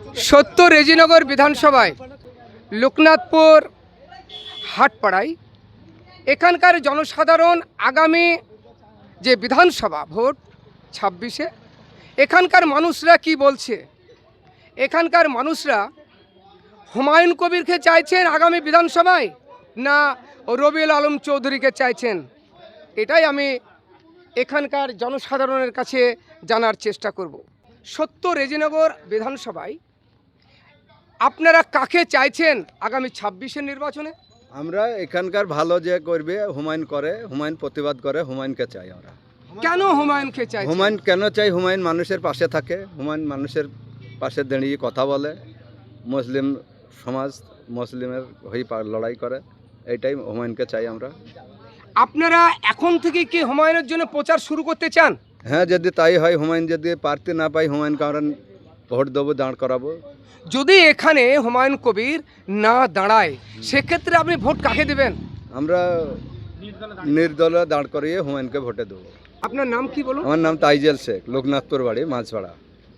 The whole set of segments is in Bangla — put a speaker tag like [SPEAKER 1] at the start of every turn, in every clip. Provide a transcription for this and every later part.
[SPEAKER 1] সত্য রেজিনগর বিধানসভায় লোকনাথপুর হাটপাড়ায় এখানকার জনসাধারণ আগামী যে বিধানসভা ভোট 26-এ এখানকার মানুষরা কি বলছে। এখানকার মানুষরা হুমায়ুন কবিরকে চাইছেন আগামী বিধানসভায়, না রবিউল আলম চৌধুরীকে চাইছেন, এটাই আমি এখানকার জনসাধারণের কাছে জানার চেষ্টা করব। সত্য রেজিনগর বিধানসভায় আপনারা কাকে চাইছেন আগামী 26-এর নির্বাচনে?
[SPEAKER 2] আমরা এখানকার ভালো যে করবে হুমায়ুন করে, হুমায়ুন প্রতিবাদ করে, হুমায়ুনকে চাই আমরা।
[SPEAKER 1] কেন হুমায়ুনকে চাই?
[SPEAKER 2] হুমায়ুন কেন চাই? হুমায়ুন মানুষের পাশে থাকে, হুমায়ুন মানুষের পাশে দাঁড়িয়ে কথা বলে, মুসলিম সমাজ মুসলিমের হয়ে লড়াই করে, এইটাই হুমায়ুনকে চাই আমরা।
[SPEAKER 1] আপনারা এখন থেকে কি হুমায়ুনের জন্য প্রচার শুরু করতে চান?
[SPEAKER 2] হ্যাঁ, যদি তাই হয়, হুমায়ুন যদি প্রার্থী না পাই, হুমায়ুনকে আমরা ভোট দেবো, দাঁড় করাবো।
[SPEAKER 1] যদি এখানে হুমায়ুন কবির না দাঁড়ায় সেক্ষেত্রে আপনি ভোট কাকে দেবেন?
[SPEAKER 2] আমরা নির্দলে দাঁড় করিয়ে হুমায়ুনকে ভোটে দেবো।
[SPEAKER 1] আপনার নাম কি বলুন?
[SPEAKER 2] আমার নাম তাইজেল শেখ, লোকনাথপুর বাড়ি, মাছপাড়া।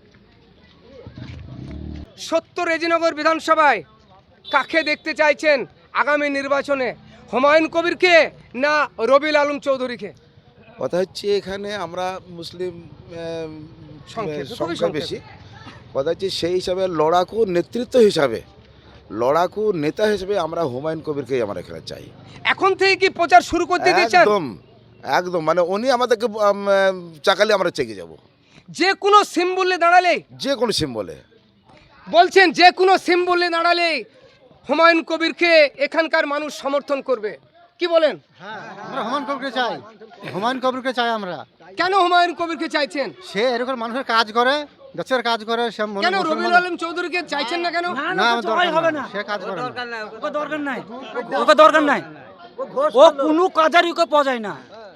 [SPEAKER 1] সত্য রেজিনগর বিধানসভায় কাকে দেখতে চাইছেন আগামী নির্বাচনে, হুমায়ুন কবিরকে না রবিউল আলম চৌধুরীকে?
[SPEAKER 3] কথা হচ্ছে এখানে আমরা মুসলিম
[SPEAKER 1] খুবই
[SPEAKER 3] সংখ্যা বেশি। কথা হচ্ছে সেই হিসাবে লড়াকু নেতৃত্ব হিসাবে, লড়াকু নেতা হিসেবে আমরা হুমায়ুন কবিরকেই আমরা এখানে চাই।
[SPEAKER 1] এখন থেকে কি প্রচার শুরু করতে দিচ্ছেন?
[SPEAKER 3] একদম একদম, মানে উনি আমাদেরকে চাকালে আমরা চেকে যাব।
[SPEAKER 1] যে কোনো সিম্বলে দাঁড়ালে,
[SPEAKER 3] যে কোনো সিম্বলে
[SPEAKER 1] বলছেন যে কোনো সিম্বলে দাঁড়ালে হুমায়ুন কবিরকে এখানকার মানুষ সমর্থন করবে, কি বলেন?
[SPEAKER 4] আমরা হুমায়ুন কবিরকে চাই, হুমায়ুন কবিরকে চাই আমরা।
[SPEAKER 1] কেন হুমায়ুন কবিরকে চাইছেন?
[SPEAKER 4] সে এরকম মানুষের কাজ করে, দেশের কাজ করে। সে
[SPEAKER 1] কেন রবিউল আলম চৌধুরীকে চাইছেন না কেন?
[SPEAKER 4] না, হবে না, সে কাজ করে না।
[SPEAKER 5] ওকে দরকার নাই, ওকে দরকার নাই, ও কোনো কাজারই ওকে পাওয়া যায় না।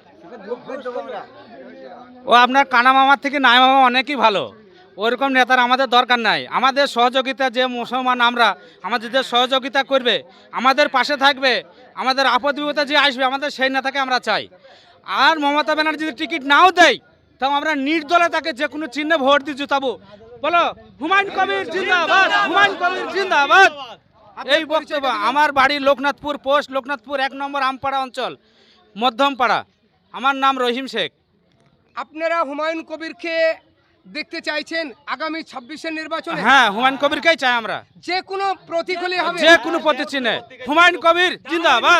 [SPEAKER 6] ও আপনার কানা মামার থেকে নাই মামা অনেকই ভালো, ওরকম নেতার আমাদের দরকার নাই। আমাদের সহযোগিতা যে মুসলমান আমরা, আমাদের যে সহযোগিতা করবে, আমাদের পাশে থাকবে, আমাদের আপদ বিপদে যে আসবে, আমাদের সেই নেতাকে আমরা চাই। আর মমতা ব্যানার্জি যদি টিকিট নাও দেয়, তাও আমরা নির্দলে তাকে যে কোনো চিহ্নে ভোট দিয়ে জুতাবো। বলো হুমায়ুন কবির জিন্দাবাদ, হুমায়ুন কবির জিন্দাবাদ। এই বক্তব্য। আমার বাড়ি লোকনাথপুর পোস্ট, লোকনাথপুর 1 নম্বর আমপাড়া অঞ্চল, মধ্যমপাড়া। আমার নাম রহিম শেখ।
[SPEAKER 1] আপনারা হুমায়ুন কবিরকে দেখতে চাইছেন আগামী 26-এর নির্বাচনে?
[SPEAKER 6] হ্যাঁ, হুমায়ুন কবিরকেই চাই আমরা,
[SPEAKER 1] যে কোনো প্রতিকূলে হবে,
[SPEAKER 6] যে কোনো প্রতিচিহ্নে হুমায়ুন কবির জিন্দাবাদ।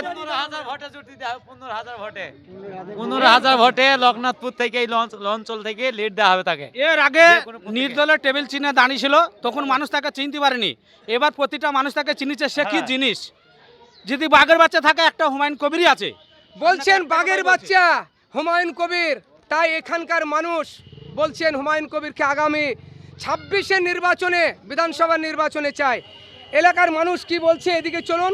[SPEAKER 7] 15,000 ভোটে লোকনাথপুর থেকে এই অঞ্চল থেকে লিড দেওয়া হবে তাকে।
[SPEAKER 6] এর আগে নির্দলের টেবিল চিহ্নে দাঁড়িয়েছিল, তখন মানুষ তাকে চিনতে পারেনি। এবার প্রতিটা মানুষ তাকে চিনিছে, সে কি জিনিস। যদি বাঘের বাচ্চা থাকে, একটা হুমায়ুন কবিরই আছে।
[SPEAKER 1] বলছেন বাঘের বাচ্চা হুমায়ুন কবির, তাই এখানকার মানুষ বলছেন হুমায়ুন কবিরকে আগামী 26-এর নির্বাচনে, বিধানসভা নির্বাচনে চায়। এলাকার মানুষ কি বলছে এদিকে চলুন।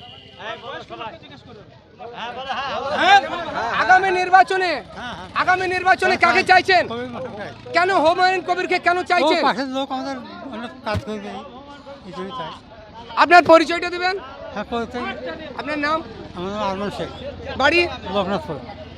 [SPEAKER 1] আগামী নির্বাচনে কাকে চাইছেন? কেন হুমায়ুন কবিরকে কেন চাইছেন?
[SPEAKER 4] পাশের লোক আমাদের অনেক কাজ করবে, এই জন্যই চাই।
[SPEAKER 1] আপনার পরিচয়টা দিবেন?
[SPEAKER 4] হ্যাঁ, করতে।
[SPEAKER 1] আপনার নাম?
[SPEAKER 4] আমার নাম আরমান শেখ,
[SPEAKER 1] বাড়ি
[SPEAKER 4] লোকনাথপুর।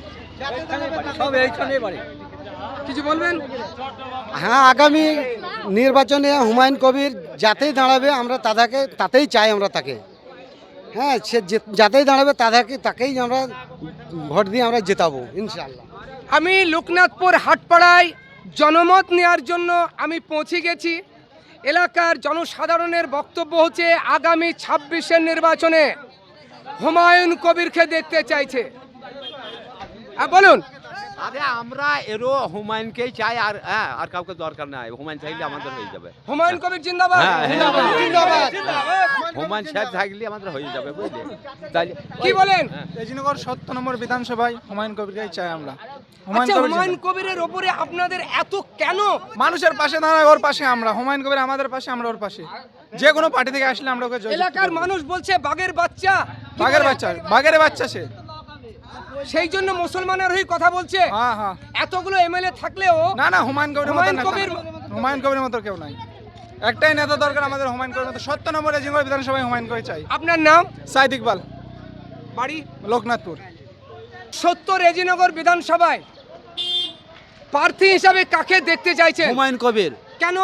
[SPEAKER 1] কিছু বলবেন?
[SPEAKER 4] হ্যাঁ, আগামী নির্বাচনে হুমায়ুন কবির যাতেই দাঁড়াবে আমরা তাতেই চাই আমরা তাকে। হ্যাঁ, সে যাতেই দাঁড়াবে তাকেই আমরা ভোট দিয়ে আমরা জেতাবো ইনশাআল্লাহ।
[SPEAKER 1] আমি লোকনাথপুর হাটপাড়ায় জনমত নেওয়ার জন্য আমি পৌঁছে গেছি। এলাকার জনসাধারণের বক্তব্য হচ্ছে আগামী 26-এর নির্বাচনে হুমায়ুন কবিরকে দেখতে চাইছে। বলুন।
[SPEAKER 8] আরে আমরা এরও হুমায়ুনকেই চাই, আর কাউকে দরকার নাই। হুমায়ুন থাকলে আমাদের হয়ে যাবে।
[SPEAKER 1] হুমায়ুন কবির জিন্দাবাদ,
[SPEAKER 8] জিন্দাবাদ। হুমায়ুন সাহেব থাকলে আমাদের হয়ে যাবে, বুঝলে? তাই
[SPEAKER 1] কি বলেন?
[SPEAKER 9] রেজিনগর 7 নম্বর বিধানসভায় হুমায়ুন কবিরকেই চাই আমরা।
[SPEAKER 1] হুমায়ুন কবিরের ওপরে আপনাদের এত কেন?
[SPEAKER 9] মানুষের পাশে দাঁড়ায়, ওর পাশে আমরা। হুমায়ুন কবির আমাদের পাশে, আমরা ওর পাশে। যে কোনো পার্টি থেকে আসলে আমরা ওকে জয়যুক্ত
[SPEAKER 1] এলাকার
[SPEAKER 9] করব।
[SPEAKER 1] মানুষ বলছে বাঘের বাচ্চা,
[SPEAKER 9] বাঘের বাচ্চা সে,
[SPEAKER 1] সেই জন্য মুসলমানের হয়ে কথা বলছে।
[SPEAKER 9] হ্যাঁ,
[SPEAKER 1] এতগুলো এমএলএ থাকলেও
[SPEAKER 9] না, হুমায়ুন কবির মতো কেউ নাই। একটাই নেতা দরকার আমাদের, হুমায়ুন কবির মতো। 7 নম্বর রেজিনগর বিধানসভায় হুমায়ুন কবির চাই।
[SPEAKER 1] আপনার নাম?
[SPEAKER 9] সাইদ ইকবাল,
[SPEAKER 1] বাড়ি
[SPEAKER 9] লোকনাথপুর।
[SPEAKER 1] সত্য রেজিনগর বিধানসভায় প্রার্থী হিসাবে কাকে দেখতে চাইছেন?
[SPEAKER 7] হুমায়ুন কবির।
[SPEAKER 1] কেন?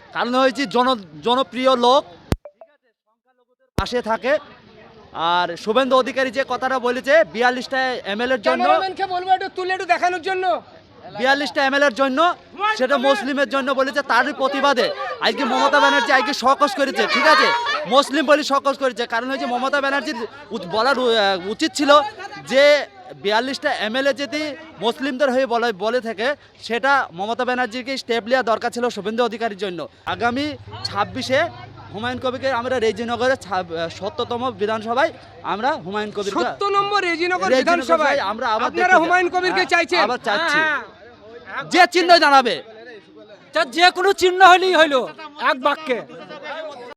[SPEAKER 5] কারণ হয়েছে জনপ্রিয় লোক, পাশে থাকে। আর শুভেন্দু অধিকারী যে কথাটা বলেছে 42টা এমএলএর জন্য,
[SPEAKER 1] ক্যামেরাম্যানকে বলবো একটু তুলে একটু দেখানোর জন্য।
[SPEAKER 5] 42টা এমএলএর জন্য, সেটা মুসলিমের জন্য বলেছে। তারই প্রতিবাদে আজকে মমতা ব্যানার্জি আজকে সকস করেছে, ঠিক আছে, মুসলিম বলে সকস করেছে। কারণ হচ্ছে মমতা ব্যানার্জির বলার উচিত ছিল যে 42টা এমএলএ যদি মুসলিমদের হয়ে বলে থাকে, সেটা মমতা ব্যানার্জিকে স্টেপ নেওয়া দরকার ছিল শুভেন্দু অধিকারীর জন্য। আগামী 26-এ হুমায়ুন কবিরকে আমরা রেজিনগরে 70তম বিধানসভায় আমরা হুমায়ুন কবির
[SPEAKER 1] 70 নম্বর রেজিনগর বিধানসভায়
[SPEAKER 5] আমরা আবার
[SPEAKER 1] আপনারা হুমায়ুন কবিরকে চাইছেন?
[SPEAKER 5] আবার চাচ্ছি, যে চিহ্ন দাঁড়াবে,
[SPEAKER 7] যে কোনো চিহ্ন হলেই হইলো, এক বাক্যে